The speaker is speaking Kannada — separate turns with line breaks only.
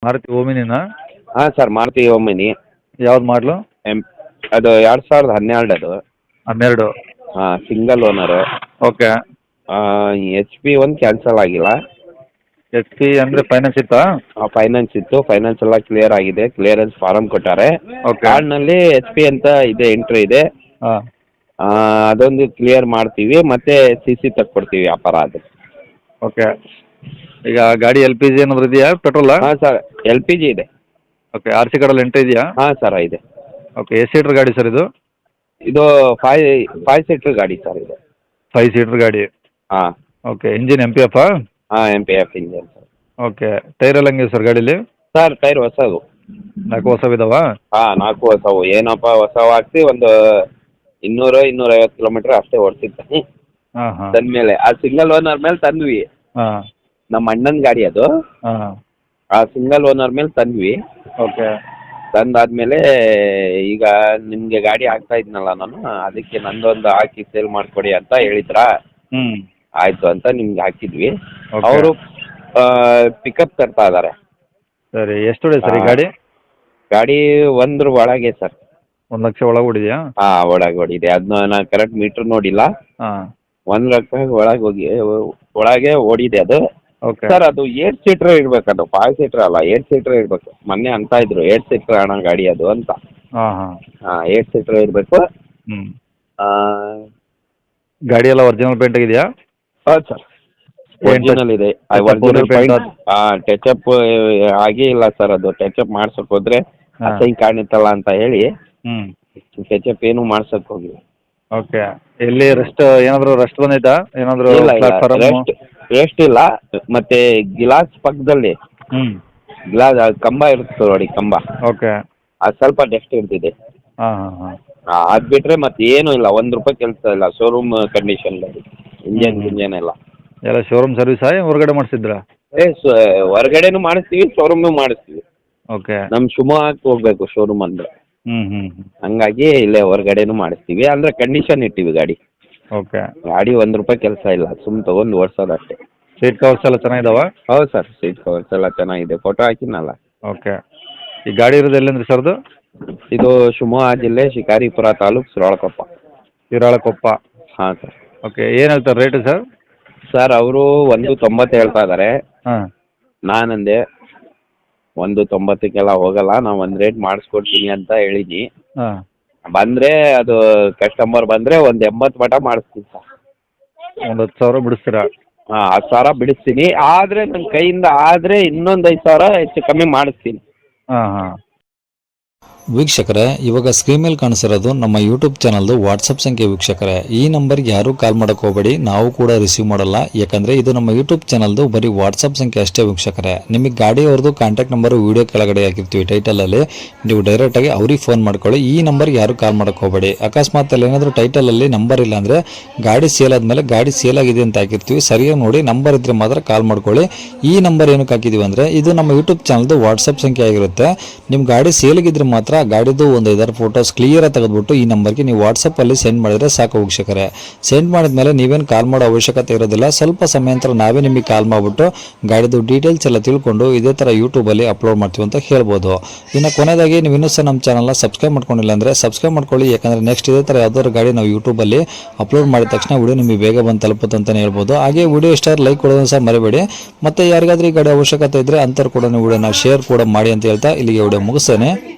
ಮಾರುತಿ ಓಮಿನಿನಾ?
ಹಾಂ ಸರ್, ಮಾರುತಿ ಓಮಿನಿ.
ಯಾವ್ದು ಮಾಡಲು?
ಅದು 2012 ಅದು.
12.
ಹಾಂ, ಸಿಂಗಲ್ ಓನರು.
ಓಕೆ.
HP ಒಂದು ಕ್ಯಾನ್ಸಲ್ ಆಗಿಲ್ಲ.
HP ಅಂದರೆ ಫೈನಾನ್ಸ್ ಇತ್ತಾ?
ಫೈನಾನ್ಸ್ ಇತ್ತು, ಫೈನಾನ್ಸ್ ಎಲ್ಲ ಕ್ಲಿಯರ್ ಆಗಿದೆ. ಕ್ಲಿಯರೆನ್ಸ್ ಫಾರಮ್ ಕೊಟ್ಟಾರೆ.
ಓಕೆ.
ಕಾರ್ಡ್ನಲ್ಲಿ HP ಅಂತ ಇದೆ, ಎಂಟ್ರಿ ಇದೆ.
ಹಾಂ.
ಅದೊಂದು ಕ್ಲಿಯರ್ ಮಾಡ್ತೀವಿ, ಮತ್ತೆ CC ತಕ್ಕೊಡ್ತೀವಿ ವ್ಯಾಪಾರ ಅದು.
ಓಕೆ. ಈಗ ಗಾಡಿ LPG ಏನಾದರೂ ಇದೆಯಾ, ಪೆಟ್ರೋಲಾ?
ಹಾಂ ಸರ್, LPG ಇದೆ.
ಓಕೆ. RC ಕಾರ್ಡಲ್ಲಿ ಎಂಟ್ರಿ ಇದೆಯಾ?
ಹಾಂ ಸರ್, ಇದೆ.
ಓಕೆ. ಎಷ್ಟು ಸೀಟ್ರ್ ಗಾಡಿ ಸರ್ ಇದು?
ಇದು 5 ಸೀಟ್ರ್ ಗಾಡಿ ಸರ್ ಇದು.
5 ಸೀಟ್ರ್ ಗಾಡಿ.
ಹಾಂ.
ಓಕೆ. Engine MPF?
ಹಾಂ, MPF engine sir.
Okay. Tyre ಎಲ್ಲ ಹಂಗಿದೆ ಸರ್ ಗಾಡೀಲಿ?
ಸರ್, ಟೈರ್ ಹೊಸದು.
4 ಹೊಸವಿದಾವಾ?
ಹಾಂ, 4 ಹೊಸವು. ಏನಪ್ಪ ಹೊಸವು ಹಾಕ್ಸಿ ಒಂದು 200-250 ಕಿಲೋಮೀಟ್ರ್ ಅಷ್ಟೇ ಓಡಿಸಿದ್ದೆ.
ಹಾಂ ಹಾಂ.
ತಂದಮೇಲೆ ಆ ಸಿಂಗಲ್ ಓನರ್ ಮೇಲೆ ತಂದ್ವಿ.
ಹಾಂ
ನಮ್ಮ ಅಣ್ಣನ ಗಾಡಿ ಅದು.
ಹಾಂ.
ಆ ಸಿಂಗಲ್ ಓನರ್ ಮೇಲೆ ತಂದ್ವಿ.
ಓಕೆ.
ತಂದಾದ್ಮೇಲೆ ಈಗ ನಿಮಗೆ ಗಾಡಿ ಹಾಕ್ತಾ ಇದ್ನಲ್ಲ ನಾನು, ಅದಕ್ಕೆ ನಂದೊಂದು ಹಾಕಿ ಸೇಲ್ ಮಾಡಿಕೊಡಿ ಅಂತ ಹೇಳಿದ್ರಾ.
ಹ್ಞೂ.
ಆಯಿತು ಅಂತ ನಿಮ್ಗೆ ಹಾಕಿದ್ವಿ.
ಓಕೆ.
ಅವರು ಪಿಕಪ್ ತರ್ತಾ ಇದ್ದಾರೆ.
ಸರಿ. ಎಷ್ಟು ಹೊಡೆ ಸರ್ ಈ ಗಾಡಿ?
ಗಾಡಿ 1 ಒಳಗೆ ಸರ್.
1 ಲಕ್ಷ ಒಳಗೆ ಹೊಡಿದೆಯಾ?
ಹಾಂ, ಒಳಗೆ ಓಡಿದೆ. ಅದನ್ನ ನಾನು ಕರೆಕ್ಟ್ ಮೀಟ್ರ್ ನೋಡಿಲ್ಲ.
ಹಾಂ.
1 ಲಕ್ಷ ಒಳಗೆ ಓಡಿದೆ ಅದು.
ಓಕೆ.
ಸರ್, ಅದು 8 ಸೀಟ್ರ್ ಇರ್ಬೇಕು. ಅದು 5 ಸೀಟ್ರ್ ಅಲ್ಲ, 8 ಸೀಟ್ರ್ ಇರಬೇಕು. ಮೊನ್ನೆ ಅಂತ ಇದ್ರು 8 ಸೀಟ್ರ್ ಅಣ್ಣ ಗಾಡಿ ಅದು ಅಂತ.
ಹಾಂ ಹಾಂ.
8 ಸೀಟ್ರ್ ಇರಬೇಕು.
ಹ್ಞೂ. ಗಾಡಿ ಎಲ್ಲ ಒರಿಜಿನಲ್ ಪೇಂಟ್ ಆಗಿದೆಯಾ?
ಹೌದು ಸರ್, ಒರಿಜಿನಲ್ ಇದೆ. Original paint. ಟಚಪ್ ಆಗೇ ಇಲ್ಲ ಸರ್. ಅದು ಟಚಪ್ ಮಾಡ್ಸಕ್ ಹೋದ್ರೆ ಅಸಹ್ಯ ಕಾಣುತ್ತಲ್ಲ ಅಂತ ಹೇಳಿ
ಹ್ಞೂ.
ಟಚಪ್ ಏನು ಮಾಡ್ಸಕ್ ಹೋಗಿಲ್ಲ.
ಓಕೆ. ಎಲ್ಲಿ ರೆಸ್ಟ್ ಏನಾದರೂ ರೆಸ್ಟ್ ಬಂದೈತಾ? ಏನಾದರೂ
ಇಲ್ಲ,
ಪ್ಲಾಟ್ಫಾರ್ಮ್?
ರೆಸ್ಟ್ ಇಲ್ಲ. ಮತ್ತೆ ಗ್ಲಾಸ್ ಪಕ್ಕದಲ್ಲಿ
ಹ್ಞೂ.
ಗ್ಲಾಸ್ ಕಂಬ ಇರುತ್ತೆ ನೋಡಿ, ಕಂಬ.
ಓಕೆ.
ಅದು ಸ್ವಲ್ಪ ಡಸ್ಟ್ ಇರ್ತಿದೆ.
ಹಾಂ ಹಾಂ ಹಾಂ.
ಅದು ಬಿಟ್ಟರೆ ಮತ್ತೆ ಏನೂ ಇಲ್ಲ. 1 ರೂಪಾಯಿ ಕೆಲಸ ಇಲ್ಲ. ಶೋರೂಮ್ ಕಂಡೀಷನ್ ಇಂಜನ್ ಎಲ್ಲ.
ಎಲ್ಲ ಶೋರೂಮ್ ಸರ್ವಿಸಾ ಹೊರಗಡೆ ಮಾಡಿಸಿದ್ರಾ?
ಹೊರಗಡೆನೂ ಮಾಡಿಸ್ತೀವಿ, ಶೋರೂಮ್ನೂ ಮಾಡಿಸ್ತೀವಿ.
ಓಕೆ.
ನಮ್ಮ ಶಿವಮೊಗ್ಗಕ್ಕೆ ಹೋಗ್ಬೇಕು ಶೋರೂಮ್ ಅಂದ್ರೆ.
ಹ್ಞೂ ಹ್ಞೂ.
ಹಂಗಾಗಿ ಇಲ್ಲೇ ಹೊರಗಡೆನೂ ಮಾಡಿಸ್ತೀವಿ. ಅಂದರೆ ಕಂಡೀಷನ್ ಇಟ್ಟಿವಿ ಗಾಡಿ.
ಓಕೆ.
ಗಾಡಿ 1 ರೂಪಾಯಿ ಕೆಲಸ ಇಲ್ಲ, ಸುಮ್ಮನೆ ತೊಗೊಂಡು ಓಡಿಸೋದು ಅಷ್ಟೇ.
ಸೀಟ್ ಕವರ್ಸ್ ಎಲ್ಲ ಚೆನ್ನಾಗಿದಾವ?
ಹೌದು ಸರ್, ಸೀಟ್ ಕವರ್ಸ್ ಎಲ್ಲ ಚೆನ್ನಾಗಿದೆ. ಫೋಟೋ ಹಾಕಿನಲ್ಲ.
ಓಕೆ. ಈ ಗಾಡಿ ಇರೋದು ಎಲ್ಲಿಂದ್ರಿ ಸರ್ದು?
ಇದು ಶಿವಮೊಗ್ಗ ಜಿಲ್ಲೆ, ಶಿಕಾರಿಪುರ ತಾಲೂಕು, ಶಿರಾಳಕೊಪ್ಪ.
ಶಿರಾಳಕೊಪ್ಪ.
ಹಾಂ ಸರ್.
ಓಕೆ. ಏನು ಹೇಳ್ತಾರೆ ರೇಟು ಸರ್?
ಸರ್, ಅವರು 1.90 ಹೇಳ್ತಾ ಇದ್ದಾರೆ.
ಹಾಂ.
ನಾನಂದೆ 1.90ಕ್ಕೆಲ್ಲ ಹೋಗಲ್ಲ, ನಾವು ಒಂದು ರೇಟ್ ಮಾಡಿಸ್ಕೊಡ್ತೀನಿ ಅಂತ ಹೇಳಿನಿ.
ಹಾಂ.
ಬಂದರೆ ಅದು ಕಸ್ಟಮರ್ ಬಂದರೆ 1.80 ಮಟ ಮಾಡಿಸ್ತೀನಿ ಸರ್.
ಒಂದು 10,000 ಬಿಡಿಸ್ತೀರಾ?
ಹಾಂ, 10,000 ಬಿಡಿಸ್ತೀನಿ. ಆದರೆ ನನ್ನ ಕೈಯಿಂದ ಆದರೆ ಇನ್ನೊಂದು 5,000 ಹೆಚ್ಚು ಕಮ್ಮಿ ಮಾಡಿಸ್ತೀನಿ.
ಹಾಂ ಹಾಂ.
ವೀಕ್ಷಕರೇ, ಇವಾಗ ಸ್ಕ್ರೀನ್ ಮೇಲೆ ಕಾಣಿಸಿರೋದು ನಮ್ಮ ಯೂಟ್ಯೂಬ್ ಚಾನಲ್ದು ವಾಟ್ಸಪ್ ಸಂಖ್ಯೆ. ವೀಕ್ಷಕರೇ, ಈ ನಂಬರ್ಗೆ ಯಾರೂ ಕಾಲ್ ಮಾಡೋಕೆ ಹೋಗಬೇಡಿ, ನಾವು ಕೂಡ ರಿಸೀವ್ ಮಾಡಲ್ಲ. ಯಾಕಂದರೆ ಇದು ನಮ್ಮ ಯೂಟ್ಯೂಬ್ ಚಾನಲ್ದು ಬರೀ ವಾಟ್ಸಪ್ ಸಂಖ್ಯೆ ಅಷ್ಟೇ. ವೀಕ್ಷಕರೇ, ನಿಮಗೆ ಗಾಡಿಯವ್ರದ್ದು ಕಾಂಟ್ಯಾಕ್ಟ್ ನಂಬರು ವೀಡಿಯೋ ಕೆಳಗಡೆ ಹಾಕಿರ್ತೀವಿ ಟೈಟಲಲ್ಲಿ, ನೀವು ಡೈರೆಕ್ಟಾಗಿ ಅವ್ರಿಗೆ ಫೋನ್ ಮಾಡ್ಕೊಳ್ಳಿ. ಈ ನಂಬರ್ಗೆ ಯಾರೂ ಕಾಲ್ ಮಾಡೋಕೆ ಹೋಗಬೇಡಿ. ಅಕಸ್ಮಾತ್ ಅಲ್ಲಿ ಏನಾದರೂ ಟೈಟಲಲ್ಲಿ ನಂಬರ್ ಇಲ್ಲ ಅಂದರೆ ಗಾಡಿ ಸೇಲ್ ಆದಮೇಲೆ ಗಾಡಿ ಸೇಲ್ ಆಗಿದೆ ಅಂತ ಹಾಕಿರ್ತೀವಿ, ಸರಿಯಾಗಿ ನೋಡಿ ನಂಬರ್ ಇದ್ದರೆ ಮಾತ್ರ ಕಾಲ್ ಮಾಡ್ಕೊಳ್ಳಿ. ಈ ನಂಬರ್ ಏನಕ್ಕೆ ಹಾಕಿದ್ದೀವಿ ಅಂದರೆ ಇದು ನಮ್ಮ ಯೂಟ್ಯೂಬ್ ಚಾನಲ್ದು ವಾಟ್ಸಪ್ ಸಂಖ್ಯೆ ಆಗಿರುತ್ತೆ. ನಿಮ್ಮ ಗಾಡಿ ಸೇಲಿಗಿದ್ರೆ ಮಾತ್ರ ಗಾಡಿದು ಒಂದು 5 ಫೋಟೋಸ್ ಕ್ಲಿಯರ್ ತೆಗೆದುಬಿಟ್ಟು ಈ ನಂಬರ್ಗೆ ನೀವು ವಾಟ್ಸಪ್ಪಲ್ಲಿ ಸೆಂಡ್ ಮಾಡಿದರೆ ಸಾಕು. ವೀಕ್ಷಕರೇ, ಸೆಂಡ್ ಮಾಡಿದ್ಮೇಲೆ ನೀವೇನು ಕಾಲ್ ಮಾಡೋ ಅವಶ್ಯಕತೆ ಇರೋದಿಲ್ಲ. ಸ್ವಲ್ಪ ಸಮಯ ನಂತರ ನಾವೇ ನಿಮಗೆ ಕಾಲ್ ಮಾಡಿಬಿಟ್ಟು ಗಾಡಿದು ಡೀಟೇಲ್ಸ್ ಎಲ್ಲ ತಿಳ್ಕೊಂಡು ಇದೇ ಥರ ಯೂಟ್ಯೂಬಲ್ಲಿ ಅಪ್ಲೋಡ್ ಮಾಡ್ತೀವಿ ಅಂತ ಹೇಳ್ಬೋದು. ಇನ್ನು ಕೊನೆಯದಾಗಿ ನೀವು ಇನ್ನೂ ಸಹ ನಮ್ಮ ಚಾನಲ್ನ ಸಬ್ಸ್ಕ್ರೈಬ್ ಮಾಡ್ಕೊಂಡಿಲ್ಲ ಅಂದರೆ ಸಬ್ಸ್ಕ್ರೈಬ್ ಮಾಡ್ಕೊಳ್ಳಿ. ಯಾಕಂದರೆ ನೆಕ್ಸ್ಟ್ ಇದೇ ಥರ ಯಾವ್ದಾದ್ರು ಗಾಡಿ ನಾವು ಯೂಟ್ಯೂಬಲ್ಲಿ ಅಪ್ಲೋಡ್ ಮಾಡಿದ ತಕ್ಷಣ ವಿಡಿಯೋ ನಿಮಗೆ ಬೇಗ ಬಂದು ತಲುಪುತ್ತೆ ಅಂತಲೇ ಹೇಳ್ಬೋದು. ಹಾಗೆ ವಿಡಿಯೋ ಇಷ್ಟ ಲೈಕ್ ಕೊಡೋದನ್ನು ಸಹ ಮರಿಬೇಡಿ. ಮತ್ತು ಯಾರಿಗಾದ್ರೂ ಈ ಗಾಡಿ ಅವಶ್ಯಕತೆ ಇದ್ದರೆ ಅಂಥವ್ರು ಕೂಡ ವಿಡಿಯೋನ ಶೇರ್ ಕೂಡ ಮಾಡಿ ಅಂತ ಹೇಳ್ತಾ ಇಲ್ಲಿಗೆ ವಿಡಿಯೋ ಮುಗಿಸ್ತೇನೆ.